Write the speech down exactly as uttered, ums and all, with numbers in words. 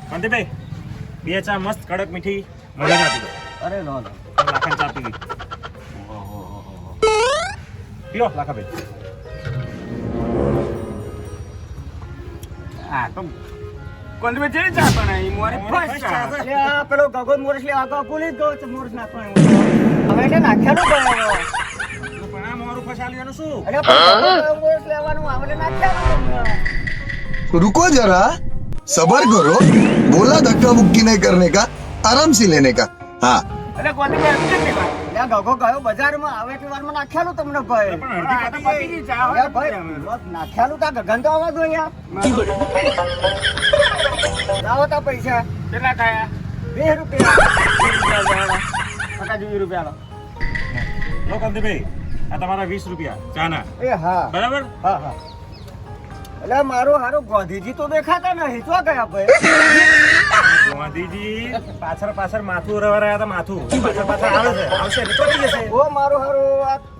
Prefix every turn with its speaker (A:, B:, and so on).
A: કાંતિભાઈ બે ચા મસ્ત કડક મીઠી મજા આપી દો.
B: અરે નો નો
A: લાખાની ચા પી ગઈ. પીઓ લાખાભાઈ.
B: આ તો કોંદવે જે ચા બનાવી મોરી ફર્સ્ટ ચા એટલે આ પેલો ગગો મોરસ લે આગો ભૂલી ગયો તો મોરસ નાખવાનો હવે એટલે નાખ્યાનું બનાવ્યો
A: પણ આ મોરું ફસાલ્યું એનું શું?
B: અરે પણ મોરસ લેવાનું આવડે નાખ્યાનું
C: रुको जरा सबर करो बोला धक्का मुक्की नहीं करने का आराम से लेने का हाँ
B: અરે કોંદવે એમ કેમ નહીં લે ગગો ગયો બજારમાં આવે એટલે વારમાં નાખ્યાનું તમને ભાઈ
A: પણ અડધી
B: આ તો
A: પતી
B: પતી ગઈ ચા હવે ભાઈ નાખ્યાનું તા ગગન તો આવવા દો યાર લાવો તા પૈસા
A: કેટલા ખાયા?
B: વીસ રૂપિયા પચાસ રૂપિયા લો
A: લો કાંતિભાઈ, આ તમારા વીસ રૂપિયા ચાના.
B: એ હા
A: બરાબર?
B: હા હા એટલે મારું હારું ગાંધીજી તો દેખાતા નહીં તો ગયા ભાઈ
A: ગાંધીજી પાછળ પાછળ માથું રવા રહ્યા હતા. માથું પાછળ પાછળ આવે છે, આવશે એટલે ચોટી જશે.
B: ઓ મારું હારું આ